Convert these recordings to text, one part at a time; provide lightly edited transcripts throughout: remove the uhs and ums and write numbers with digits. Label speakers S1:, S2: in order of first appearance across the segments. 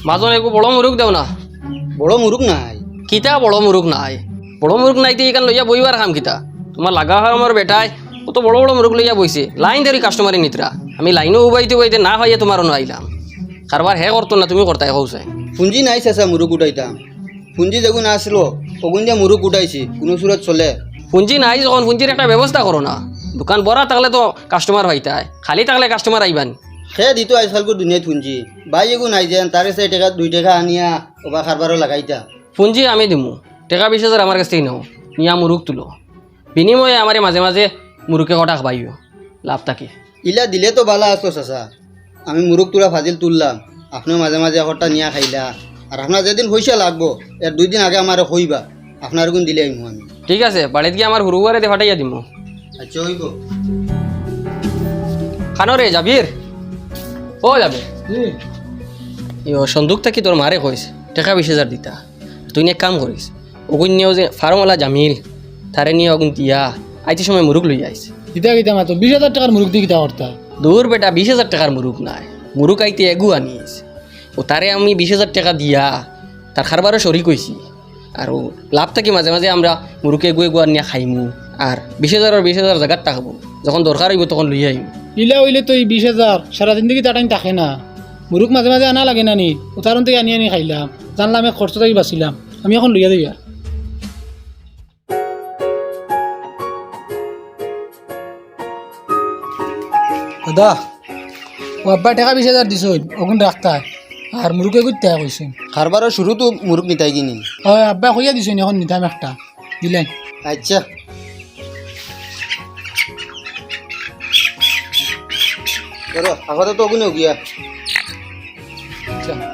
S1: মাজন একো বড় মুরুখ দেও না।
S2: বড় মুরুখ নাই।
S1: কিতা বড় মুরুখ নাই? বড় মুরুখ নাই তো এখান লইয়া বইবার কাম কিতা? তোমার লাগা হয় আমার বেটায় কত বড় বড় মুরুখ লইয়া বইছে, লাইন ধরি কাস্টমারে নিতরা। আমি লাইনও উবাইতে উবাইতে না হইয়া তোমারও আইলাম। কারবার হে করতো না, তুমি করতাই কৌসাই।
S2: পুঞ্জি নাই চাচা, মুরুখ উঠাইতাম। পুঞ্জি যখন আসলো তখন যে মুরুখ উঠাইছি, কোনো সুরত চলে।
S1: পুঞ্জি নাই যখন পুঞ্জির একটা ব্যবস্থা করো না। দোকান বড়া থাকলে তো কাস্টমার হইতায়, খালি থাকলে কাস্টমার আইবান।
S2: সে দিত আজকালকে দুনিয়ায় পুঞ্জি বাই এগু নাই যেন তারে 4 টাকা 2 টাকা আনিয়া ওবা খারবারও লাগাইতা।
S1: পুঞ্জি আমি দিমু, টাকা 20,000 আমার কাছ থেকে নাও, নিয়া মুরুখ তুলো। বিনিময়ে আমারে মাঝে মাঝে মুরুখে কটা খাবাইও, লাভ থাকে।
S2: ইলা দিলে তো ভালো আসতো চাচা। আমি মুরুখ তুলা ফাজিল তুললাম, আপনিও মাঝে মাঝে একটা নিয়া খাইলা। আর আপনার যেদিন পয়সা লাগবো এর 2 দিন আগে আমার কইবা, আপনার গুণ দিলে আইমু আমি।
S1: ঠিক আছে, বাড়িতে গিয়ে আমার হুরুয়ারে দিয়ে ফাটাইয়া দিমু।
S2: আচ্ছা হইব।
S1: খানো রে জাবির, ও যাবে ইয়ো সন্দুক থাকি তোর মারে কইস টাকা 20,000 দিতা। তুই এক কাম করিস, ওগুন নিয়েও যে ফার্মওয়ালা জামিল তারে নিয়ে ওগুন দিয়া আইতে সময় মুরুখ লইয়া আইস।
S3: কিতা কিতা মাতো 20,000 টাকার মুরুখ দিয়ে কিতা করতা?
S1: দূর বেটা, 20,000 টাকার মুরুখ নাই, মুরুখ আইতে এগু আনিস। ও তারে আমি 20,000 টাকা দিয়া তার খারবারও সরি কইছি। আর লাভ থাকি মাঝে মাঝে আমরা মুরুখে এগু এগু আনিয়া খাইমু। আর 20,000 আর 20,000 জায়গাত থাকবো, যখন দরকার হইব তখন লইয়া আইম।
S3: ইলা হইলে তো এই 20,000 সারা জিন্দগি তাটাইন থাকে না। মুরুখ মাঝে মাঝে আনা লাগে না নি? উদাহরণ থেকে আনি আনি খাইলাম, জানলাম আমি খরচ থেকে বাঁচিলাম। আমি এখন লইয়া দিই। দাদা ও আব্বা টাকা 20,000 দিছ, ওগুন রাখতা আর মুরুখে গুইতে কইছেন।
S2: খারবারও শুরু তো মুরুখ নিতাই কিনি।
S3: হয় আব্বা কইয়া দিছেন, এখন নিতাম একটা দিলেন।
S2: আচ্ছা ধরো আপাতত ওগুনে গিয়া।
S3: আচ্ছা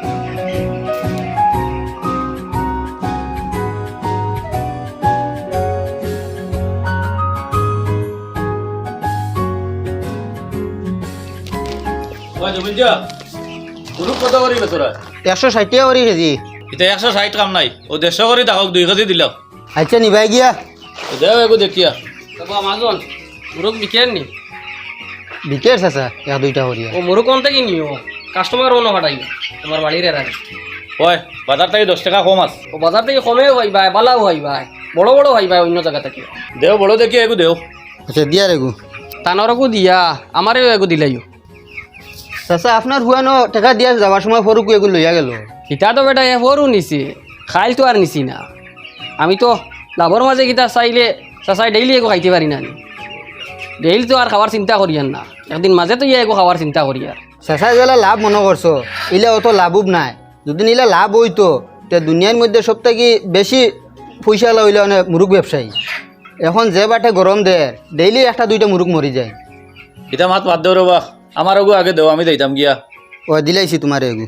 S4: মুরুখ কত করি বেচরা?
S2: 160 টাকা করে কেজি।
S4: এটা 160 কাম নাই, ও 150 করে তাহক 2 কেজি দিলাম।
S2: আচ্ছা নিবাই গিয়া।
S4: দেও এগো দেখিয়া।
S1: তবে মাজন মুরুখ বিকেন নি?
S2: বিকের চাচা 1-2টা করিয়া।
S1: ও মুরুখ কোন থেকে নিও, কাস্টমার অন্য ফাটাই তোমার বাড়ির রাখি।
S4: ওই বাজার থেকে 10 টাকা কম আছে।
S1: ও বাজার থেকে কমেও হয় ভাই, বালাও হয় ভাই, বড় বড় হয় ভাই অন্য জায়গা থেকে।
S4: দেও বড় দেখিয়া এগো দেও।
S2: আচ্ছা দিয়া রেগু।
S1: তানরকু দিয়া আমারেও এগু দিলাইও।
S2: চাচা আপনার হুয়ানো টাকা দিয়া যাওয়ার সময় ফরুকু এগুলো লইয়া গেল।
S1: কিতা তো বেটা এ বড়ও নিছি, খাইল তো আর নিছি না। আমি তো লাভর মাঝে কিতা চাইলে চাচাই ডেইলি এগো খাইতে পারি না। ডেইলি তো আর খাওয়ার চিন্তা করি আর না, একদিন মাঝে তো ইয়া এগো খাওয়ার চিন্তা করি আর।
S2: চাচা যেলা লাভ মনে করছো, ইলা অত লাভুব নাই। যদি ইলা লাভ হইতো তে দুনিয়ার মধ্যে সব থেকে বেশি পয়সা লইলে অনেক মুরুখ ব্যবসায়ী। এখন যে বাটে গরম দেয় ডেইলি 1-2টা মুরুখ মরি যায়।
S4: এটা মাত বাদ দেও রবা, আমার এগো আগে দেও, আমি দিতাম গিয়া।
S2: ও দিলাইছি তোমার এগু।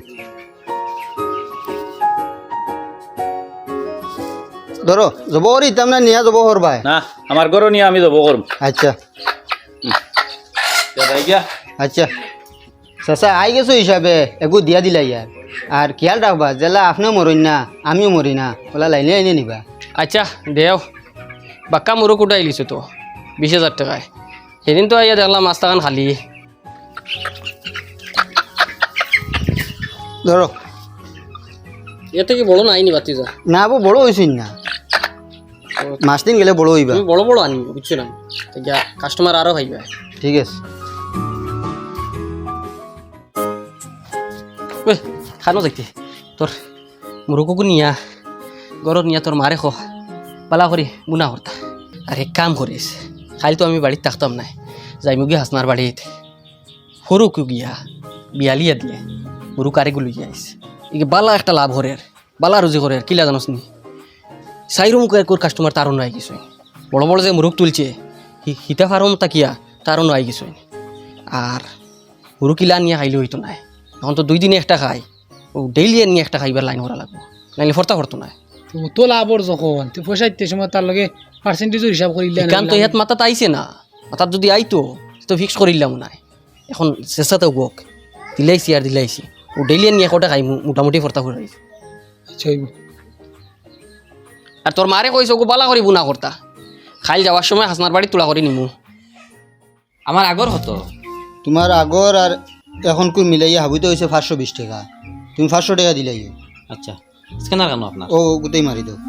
S2: ধরো যাব করি ইতাম না নিয়া যাব করবাই।
S4: না আমার ঘর নিয়ে আমি যাব করম।
S2: আচ্ছা
S4: যাই গিয়া।
S2: আচ্ছা চাচা আই গেছো হিসাবে এগু দিয়া দিলাই ইয়ার। আর খেয়াল রাখবা জেলা আপনিও মরিন না আমিও মরি না, ওলা লাইনে লাইনে নিবা।
S1: আচ্ছা দেও, বাক্কা মুরুখ উঠাই লিছো তো 20,000 টাকায়। সেদিন তো আইয়া দেখলাম মাছটাখান খালি।
S2: ধরো
S1: এর থেকে বড় নাই নি বাতি যা
S2: না আবু বড় হয়েছিন না, মাস দিন গেলে বড় হইবা।
S1: তুমি বড় বড় আনিব বুঝছো না, যা কাস্টমার আরো খাইবে।
S2: ঠিক আছে
S1: ওই খানো যাইতে তোর মুরুখকু নিয়া ঘরত নিয়া তোর মারে খো পালা করি বুনা করতা। আর এক কাম করিস, খালি তো আমি বাড়িতে থাকতাম নাই, যাইমু গিয়ে হাসনার বাড়িত সরুকু গিয়া বিয়ালিয়া দিয়ে মুরুখ আরেগুলো গিয়ে আইস। ইকে বালা একটা লাভ হরের, বালা রুজি করের, কিলা জানোস নি? সাইরো মুখ এক কাস্টমার তারও নাই কিছু। বড় বড় যে মুরুখ তুলছে হিতা ফার্ম তাকিয়া তারও নাই কিছু। আর মুরুখ কিলা নিয়ে খাইলে হইতো নাই, এখন তো 2 দিনে একটা খাই, ও ডেইলি নিয়ে একটা খাইবার লাইন করা লাগবো, নাইলে ফর্তা করতো না।
S3: তো লাভর যখন তুই পয়সা দিতে সময় তার লগে পার্সেন্টেজও হিসাব করিলে
S1: কাম তো ইহাত মাথাত আইছে না, মাথাত যদি আইতো তো ফিক্স করিলাম নাই। এখন চেষ্টাতে বক দিলাইছি আর দিলাইছি, ও ডেইলি নিয়ে একটা খাই মোটামুটি ফর্তা করে।
S3: আচ্ছা হইব।
S1: আর তোর মারে কইছো গো বালা করি বুনা করতা, খাইল যাওয়ার সময় হাসনার বাড়ি তোলা করে নিমু।
S4: আমার আগর হতো
S2: তোমার আগর আর এখন কু মিলাইয়া হাবিতে হয়েছে 520 টাকা। তুমি 500 টাকা দিলাই
S5: আচ্ছা স্ক্যানার কেন আপনার
S2: ও গোটাই মারি দাও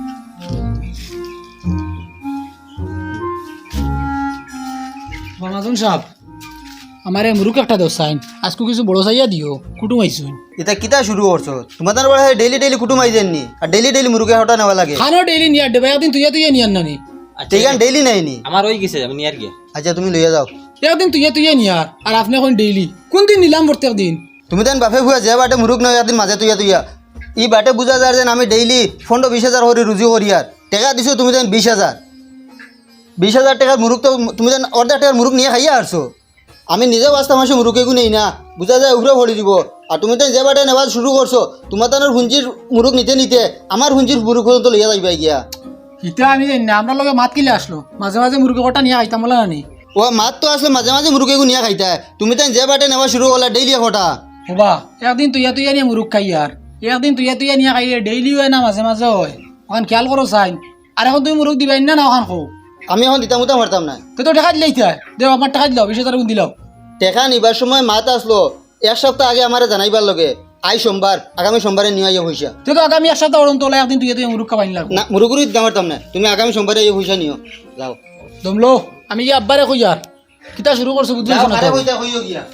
S3: মামাজন সাহেব আমার মুরুখ একটা দোষ চাইন আজকে কিছু বড় চাইয়া দিও কুটুম আইসুন
S2: এটা কিতা শুরু করছো তোমাদের বড় ডেইলি ডেইলি কুটুম আইজেননি আর ডেইলি মুরুগে হটা নেওয়া লাগে
S3: খানো ডেইলি নিয়ার দেবে একদিন তুই নিয়ার নানি
S2: ঠিকান ডেইলি নাইনি
S5: আমার ওই গেছে আমি নিয়ার গিয়া
S2: আচ্ছা তুমি লইয়া যাও
S3: একদিন তুই নিয়ার আর আপনি এখন ডেইলি কোন দিন নিলাম প্রত্যেক দিন
S2: তুমি দেন বাপে ভুয়া যে বাটে মুরুগ নয় একদিন মাঝে তুইয়া ই বাটে বুঝা যায় যেন আমি ডেইলি 15-20 হাজার করে রুজি করি আর টাকা দিছো তুমি দেন 20 হাজার টাকার মুরুগ তো তুমি দেন অর্ধেক টাকার মুরুগ নিয়ে খাইয়া আসছো আমি নিজেও বাঁচতাম আসে মুরুগেগু নেই না বুঝা যায় উপরে ভরি দিব আর তুমি তো যে বাটে নেওয়া শুরু করছো তোমার তানোর হুঞ্জির মুরুগ নিতে আমার হুঞ্জির মুরুগ তো লইয়া যাইবা গিয়া
S3: ইটা আমি জানি না আমরা লগে মাত কিলে আসলো মাঝে মাঝে মুরগি কটা নিয়ে খাইতাম বলে নানি
S2: ও মাত তো আসলে মাঝে মাঝে মুরুগেগু নিয়ে খাইতা তুমি তো যে বাটে নেওয়া শুরু করলা ডেইলি কটা
S3: হবা একদিন তুই নিয়ে মুরুখ খাই আর একদিন তুই নিয়ে খাইলে ডেইলি হয় না মাঝে মাঝে হয় ওখান খেয়াল করো চাইন আর এখন তুমি মুরুখ দিবাই না ওখান খো
S2: আমি এখন দিতাম উতাম পারতাম না
S3: তুই তো টাকা দিলেই দেও আমার টাকা দিলাও 20,000 গুণ দিলাও
S2: টেকা নিবার সময় মাত আসলো 1 সপ্তাহ আগে আমারে জানাইবার লগে সোমবার আগামী সোমবারে নিয়ে আইয়া পয়সা
S3: তুই তো আগামী এক সপ্তাহ ওরম তোলা একদিন তুই মুরুখ খাবাই লাগবো
S2: না মুরুগুরি দিতাম পারতাম না তুমি আগামী সোমবারে এই পয়সা নিও যাও
S3: দমলো আমি কি আব্বারে কই আর কিতা শুরু করছো বুঝছিস না তো?
S2: পয়সা কইও গিয়া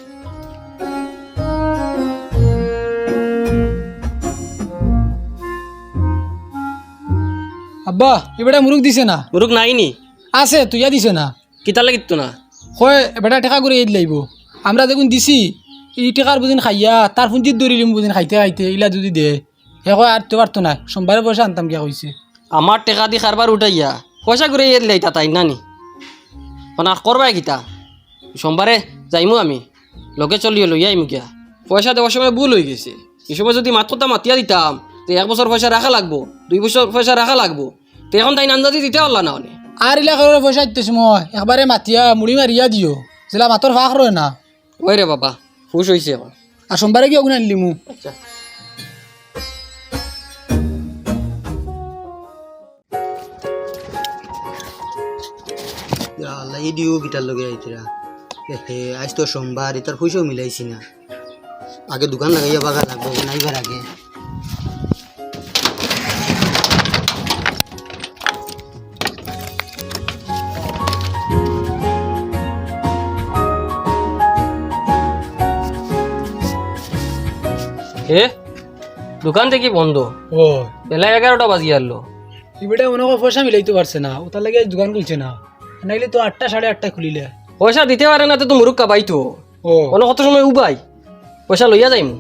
S3: আব্বা এবারে মুরুখ দিছে না
S1: মুরুখ নাই নি
S3: আছে তুইয়া দিছে না
S1: কিতা লাগিত না
S3: কয় বেটা টাকা করে এই লাইব আমরা দেখুন দিছি এই টাকার বুঝিন খাইয়া তার ফুঞ্চিত দৌড়িলিম বুঝিন খাইতে ইলা যদি দে সে কয় আর তো পারতো না সোমবারে পয়সা আনতাম কিয়া কইছে
S1: আমার টেকা দি কারবার উঠাইয়া পয়সা করে এর লাইতা তাই নানি মানে করবাই কিতা সোমবারে যাইমু আমি লগে চলিয়ে লইয়া আইমু গিয়া পয়সা দেওয়ার সময় ভুল হয়ে গেছে এই সময় যদি মাত্রটা মাতিয়া দিতাম তো 1 বছর পয়সা রাখা লাগবো 2 বছর পয়সা রাখা লাগবো তো এখন তাই আন্দাজি দিতে পারলা না অনেক
S3: আর ইলা করে পয়সা দিতেছি মই একবারে মাতিয়া মুড়ি মারিয়া দিও যেলা মাতর ফাঁক রয় না
S1: ওই রে বাবা খুশ হয়েছে এখন
S3: আর সোমবারে কি ওগুলো আনলি মু
S1: আচ্ছা
S2: আল্লাহ এই দিও গিটার লগে আইতরা হে আজ তো সোমবার এটার পয়সাও মিলাইছি না আগে দোকান লাগাইয়া বাগা লাগবো নাইবার আগে
S1: এ দোকান থেকে বন্ধ
S3: ও
S1: বেলা 11টা বাজি আনলো
S3: ইবেটা মনে হয় পয়সা মিলাইতে পারছে না ওটার লাগে দোকান খুলছে না নাইলে তো 8টা 8:30 খুলিলে
S1: পয়সা দিতে পারে না তো মুরুখ কাবাই তো
S3: ও
S1: কোনো কত সময় উবাই পয়সা লইয়া যাইম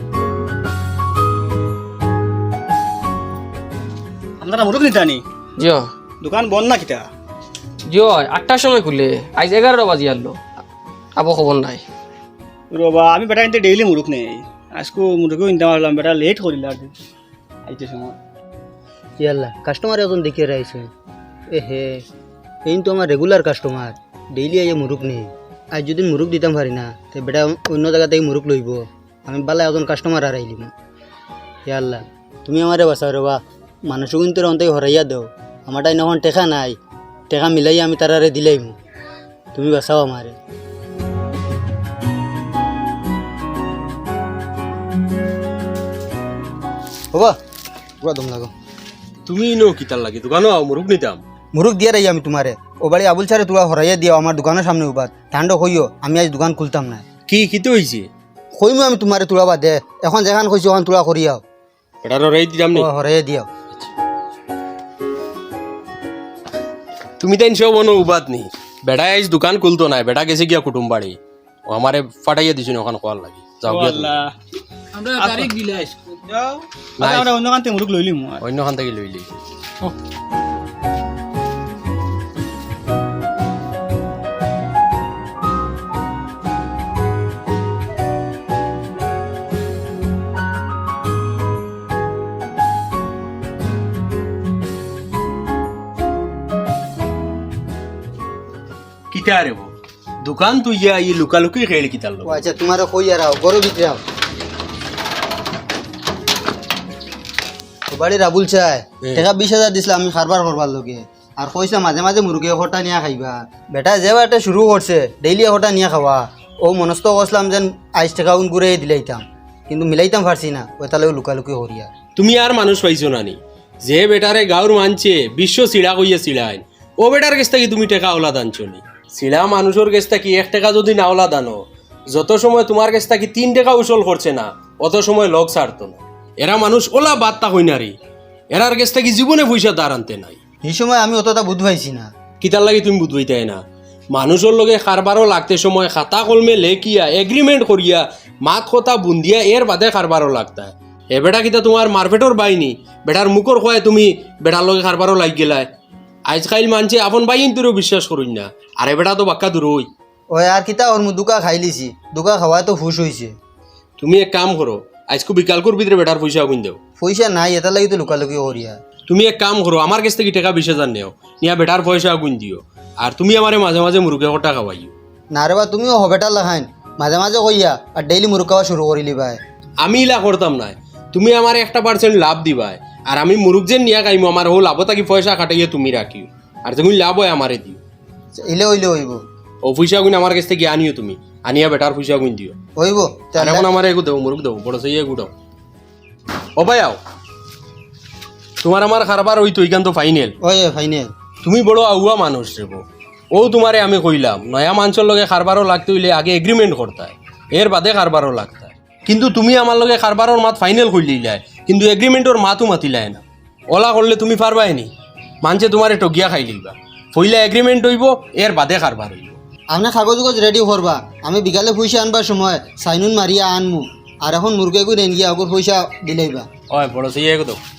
S6: আপনারা মুরুখ নিতে আনি
S1: জিও
S6: দোকান বন্ধ না কিতা
S1: জিও 8টার সময় খুলে আজ 11টা বাজি আনলো আবো খবর নাই
S6: বাবা আমি বেটা কিন্তু ডেইলি মুরুখ নেই আজকে মুরুখও নিতে পারলাম বেটা লেট করিল আর আইতে সময়
S2: ইয়াল্লা কাস্টমার এখন দেখে রাইছে এ হে এই তো আমার রেগুলার কাস্টমার ডেইলি আইয়া মুরুখ নেই আজ যদি মুরুখ দিতাম পারি না তো বেটা অন্য জায়গা থেকে মুরুখ লইব আমি বালা এখন কাস্টমার আর আইলিম ইয়াল্লা তুমি আমারে বাঁচাও রে বা মানুষ কিন্তু অন্তই হরাইয়া দাও আমার তাই নখন টেকা নাই টেকা মিলাই আমি তারারে দিলাইম তুমি বাঁচাও আমারে হবা পুরা দম লাগো
S7: তুমি নো কিতার লাগে দোকানো মুরুখ নিতাম
S2: মুরুখ দিয়ে রাই আমি তোমারে ও বাড়ি আবুল সারে তোরা হরাইয়া দিও আমার দোকানের সামনে উবাদ ঠান্ডা হইও আমি আজ দোকান খুলতাম না
S7: কি কিতে হইছে
S2: কইমু আমি তোমারে তোলা বাদ দে এখন যেখান কইছো ওখান তোলা করিয়াও
S7: এটার রাই দিলাম নি
S2: হরাইয়া দিও
S7: তুমি তাই সব মনো উবাদ নি বেড়া আইস দোকান খুলতো না বেড়া গেছে গিয়া কুটুম বাড়ি ও আমারে ফাটাইয়া দিছ ওখানে কোয়ার লাগে যাও গিয়া তুমি।
S6: আল্লাহ
S3: আমরা তারিখ দিলে আইসো
S6: যাও আমরা অন্য কান্তে মুরুখ লইলিম
S7: অন্য খান থেকে লইলি কিতা রে দোকান তুই ইয়া ই লুকালুকি খেয়ে কিতার
S2: ও আচ্ছা তোমারে কই আর আও গরো ভিতরে আও ও বাড়ির আবুল চাই টাকা 20,000 দিছিলাম আমি খারবার করবার লগে আর কইছা মাঝে মাঝে মুরগি হটা নিয়া খাইবা বেটা যে বাটে শুরু করছে ডেইলি হটা নিয়া খাওয়া ও মনস্থ করছিলাম যেন 22 টাকা উন ঘুরে দিলাইতাম কিন্তু মিলাইতাম পারছি না ওই তালেও লুকালুকি হরিয়া।
S7: তুমি আর মানুষ পাইছো নানি যে বেটারে গাঁর মানছে বিশ্ব চিড়া কইয়া চিড়াইন ও বেটার কাছ থেকে তুমি টেকা ওলা দানছো নি। চিড়া মানুষের কাছ থেকে 1 টাকা যদি না ওলা দানো যত সময় তোমার কাছ থেকে 3 টাকা উসল করছে না অত সময় লোক ছাড়তো না। এরা মানুষ ওলা বার্তা হই না রে, এরার কাছ থেকে জীবনে পয়সা দাঁড় আনতে নাই।
S2: এই সময় আমি অতটা বুঝ পাইছি না।
S7: কিতার লাগে তুমি বুঝবইতাই না মানুষের লগে কারবারও লাগতে সময় খাতা কলমে লেখিয়া এগ্রিমেন্ট করিয়া মাত কথা বুন্দিয়া এর বাদে কারবারও লাগতা। এ বেটা কিতা তোমার মারপেটর বাইনি বেটার মুখর খোয়ায় তুমি বেটার লগে কারবারও লাগ গেলায়। আজকাল মানছে আপন বাইন তোরও বিশ্বাস করুন না, আরে বেটা তো বাক্কা দূরই।
S2: ওই আর কিতা ওর মু দুকা খাই লিছি, দুকা খাওয়ায় তো হুশ হয়েছে।
S7: তুমি এক কাম করো আজকে বিকালকুর ভিতরে বেটার পয়সা গুন দেও।
S2: পয়সা নাই এটার লাগি তো লুকালুকি হরিয়া।
S7: তুমি এক কাম করো আমার কাছ থেকে টাকা 20,000 নেও, নিয়া বেটার পয়সা গুন দিও। আর তুমি আমারে মাঝে মাঝে মুরগি কটা খাওয়াইও।
S2: না রে বা তুমিও হবেটার লাখাইন মাঝে মাঝে কইয়া আর ডেইলি মুরগ খাওয়া শুরু করিলি ভাই।
S7: আমি ইলা করতাম না, তুমি আমার 1% লাভ দিবাই আর আমি মুরগ যে নিয়া খাইমো আমার হো লাভ থাকি পয়সা খাটাইয়া তুমি রাখিও আর তুমি লাভ হয় আমারে দিও।
S2: ইলে হইলে হইব।
S7: ও পয়সা গুণ আমার কাছ থেকে আনিও, তুমি আনিয়া বেটার পয়সা গুণ দিও।
S2: হইব
S7: আর এখন আমার এগু দেবো মুরগ দেবো বড় সেই এগু দাও। ও ভাই আও তোমার আমার খারাপ ওই তো এইখান তো ফাইনাল।
S2: ওই ফাইনাল।
S7: তুমি বড় আউয়া মানুষ রেব, ও তোমারে আমি কইলাম নয়া মানুষের লগে কারবারও লাগতে হইলে আগে এগ্রিমেন্ট করতায় এর বাদে কারবারও লাগতায়। কিন্তু তুমি আমার লগে কারবারর মাত ফাইনাল করলিলাই কিন্তু এগ্রিমেন্টর মাতও মাতিলাই না। ওলা করলে তুমি পারবাই নি, মানছে তোমারে টগিয়া খাই লইবা। পইলা এগ্রিমেন্ট হইব এর বাদে কারবার হইব।
S2: আপনি কাগজ কাগজ রেডি করবা, আমি বিকালে পয়সা আনবার সময় সাইনুন মারিয়া আনমু আর এখন মুরগে করে গিয়া আগর পয়সা দিলাইবা।
S7: ওই বড় সেই এগো দাও।